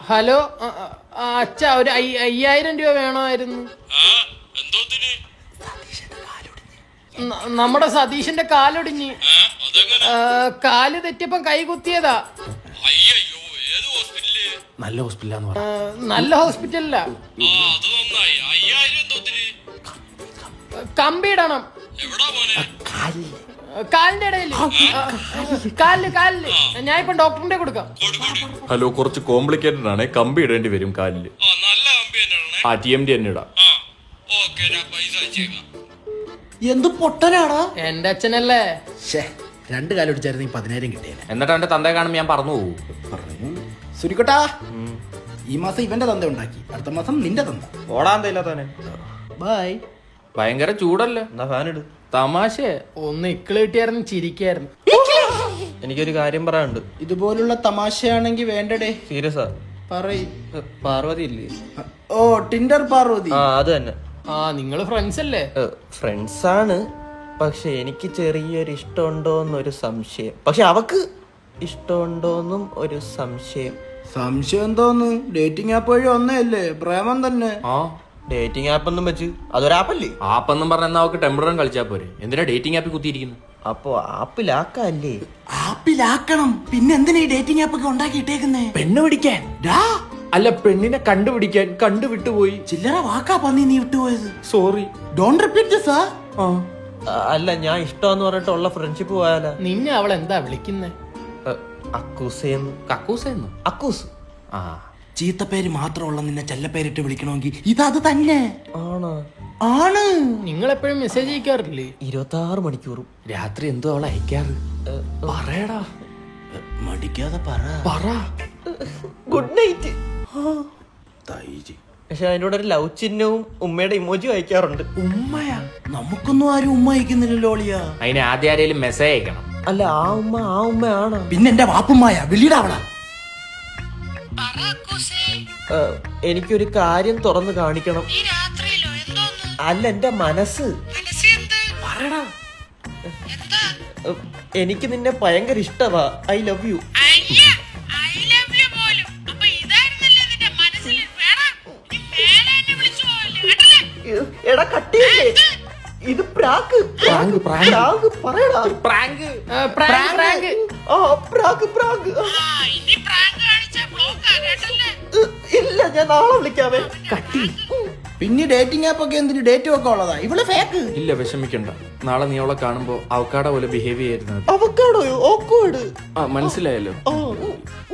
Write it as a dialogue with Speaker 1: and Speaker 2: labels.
Speaker 1: Hello അച്ഛ ഒരു 5000 രൂപ വേണമായിരുന്നു. നമ്മുടെ സതീഷിന്റെ കാലൊടിഞ്ഞ്. കാല് തെറ്റിയപ്പം കൈ കുത്തിയതാ.
Speaker 2: നല്ല ഹോസ്പിറ്റലാന്ന് പറഞ്ഞു.
Speaker 1: നല്ല ഹോസ്പിറ്റലില്ല. കമ്പിയിടണം കാലിന്റെ ഇടയില്. കാലില് ഞാൻ ഇപ്പൊ ഡോക്ടറിന്റെ കൊടുക്കാം.
Speaker 3: ഹലോ, കുറച്ച് കോംപ്ലിക്കേറ്റഡ് ആണ്. കമ്പി ഇടേണ്ടി വരും കാലില്. TMD തന്നെ ഇടാം.
Speaker 2: എന്ത് പൊട്ടനാടാ
Speaker 1: എന്റെ അച്ഛനല്ലേ.
Speaker 2: 2 കാലൊടിച്ചായിരുന്നു 10,000 കിട്ടിയേനെ.
Speaker 3: എന്നിട്ട് എന്റെ തന്തയെ കാണുമ്പോ ഞാൻ പറഞ്ഞു പോകും.
Speaker 2: സുരിക്കട്ടാ, ഈ മാസം ഇവന്റെ തന്ത ഉണ്ടാക്കി, അടുത്ത മാസം നിന്റെ തന്ത.
Speaker 3: ഓടാന്തന്നെ.
Speaker 2: ബൈ.
Speaker 3: ഭയങ്കര ചൂടല്ലേ,
Speaker 4: എന്നാ ഫാൻ ഇട്.
Speaker 1: തമാശ ഒന്ന് ഇക്കിള് കിട്ടിയായിരുന്നു ചിരിക്കായിരുന്നു.
Speaker 4: എനിക്കൊരു കാര്യം പറയാനുണ്ട്.
Speaker 2: ഇതുപോലുള്ള തമാശയാണെങ്കി വേണ്ടടേ.
Speaker 4: സീരിയസാ
Speaker 2: പറയ്.
Speaker 4: പാർവതി ഇല്ലേ?
Speaker 2: ഓ, ടിൻഡർ പാർവതി.
Speaker 4: അത് തന്നെ.
Speaker 1: നിങ്ങള് ഫ്രണ്ട്സ് അല്ലേ?
Speaker 4: ഫ്രണ്ട്സ് ആണ്, പക്ഷെ എനിക്ക് ചെറിയൊരു ഇഷ്ടമുണ്ടോന്നൊരു സംശയം. പക്ഷെ അവക്ക് ഇഷ്ടമുണ്ടോന്നും ഒരു സംശയം.
Speaker 2: സംശയം തോന്നു. ഡേറ്റിംഗ് ആപ്പ് വഴി ഒന്നല്ലേ, പ്രേമം തന്നെ.
Speaker 4: ഡേറ്റിംഗ് ആപ്പ് ഒന്നും വെച്ച് അതൊരാപ്പല്ലേ?
Speaker 3: ആപ്പെന്നും പറഞ്ഞ അവക്ക് ടെമ്പററി കളിച്ചാ പോരെ. എന്തിനാ ഡേറ്റിംഗ് ആപ്പിൽ കുത്തിയിരിക്കുന്നു?
Speaker 4: അപ്പൊ ആപ്പിലാക്കല്ലേ?
Speaker 2: ആപ്പിലാക്കണം. പിന്നെ എന്തിനാ ഈ ഡേറ്റിംഗ് ആപ്പ് ഒക്കെ ഉണ്ടാക്കിയിട്ടേക്കുന്നേ?
Speaker 3: പെണ്ണ് പിടിക്കാൻ. അല്ല, പെണ്ണിനെ കണ്ടുപിടിക്കാൻ. കണ്ടുവിട്ടുപോയി.
Speaker 2: ചില്ലറ വാക്കാ പന്നി നീ വിട്ടുപോയത്.
Speaker 3: Sorry,
Speaker 2: don't repeat this.
Speaker 4: അല്ല, ഞാൻ ഇഷ്ടമെന്ന് പറഞ്ഞിട്ടുള്ള ഫ്രണ്ട്ഷിപ്പ് പോയാല.
Speaker 1: നിന്നെ അവൾ എന്താ വിളിക്കുന്നേ?
Speaker 4: അക്കൂസേന്ന്.
Speaker 3: കക്കൂസെന്നു.
Speaker 4: അക്കൂസ്.
Speaker 2: ചീത്തപ്പേര് മാത്രമുള്ള നിന്നെ ചെല്ലപ്പേരിട്ട് വിളിക്കണമെങ്കിൽ ഇത് തന്നെ
Speaker 4: ആണോ?
Speaker 1: ആണ്. നിങ്ങൾ എപ്പോഴും മെസ്സേജ് അയക്കാറില്ലേ?
Speaker 4: 26 മണിക്കൂറും.
Speaker 3: രാത്രി എന്തോ അവൾ അയക്കാറ്. പറയടാ,
Speaker 2: മടിക്കാതെ
Speaker 3: പറ.
Speaker 4: Good night. പക്ഷെ അതിനോട് ഒരു ലവ് ചിഹ്നവും ഉമ്മയുടെ ഇമോജി അയക്കാറുണ്ട്.
Speaker 2: ഉമ്മയാ? നമുക്കൊന്നും ആരും ഉമ്മ അയക്കുന്നില്ലല്ലോ അളിയാ.
Speaker 3: അതിന് ആദ്യം ആരെങ്കിലും മെസ്സേജ് അയക്കണം.
Speaker 4: അല്ല, ആ ഉമ്മയാണ്.
Speaker 2: പിന്നെ എന്റെ വാപ്പുമ്മായ വിളിയിടാവള.
Speaker 4: എനിക്കൊരു കാര്യം തുറന്നു കാണിക്കണം. അല്ല, എന്റെ മനസ്സ്.
Speaker 2: പറയടാ.
Speaker 4: എനിക്ക് നിന്നെ ഭയങ്കര ഇഷ്ടമാ. I love you. എടാ കട്ടിയല്ലേ ഇത്? പ്രാങ്ക്. പറയടാ.
Speaker 1: പ്രാങ്ക്.
Speaker 4: ഇല്ല, ഞാൻ നാളെ വിളിക്കാവേ.
Speaker 2: കട്ടി. പിന്നെ ഡേറ്റിംഗ് ആപ്പ് ഒക്കെ എന്തിന്? ഡേറ്റും ഒക്കെ ഉള്ളതാ. ഇവള് ഫേക്ക്.
Speaker 3: ഇല്ല, വിഷമിക്കണ്ട. നാളെ നീ അവളെ കാണുമ്പോ അവക്കാട പോലെ ബിഹേവ് ചെയ്യുന്നത്.
Speaker 4: അവക്കാടോയോ? ഓക്വേർഡ്.
Speaker 3: മനസ്സിലായല്ലോ.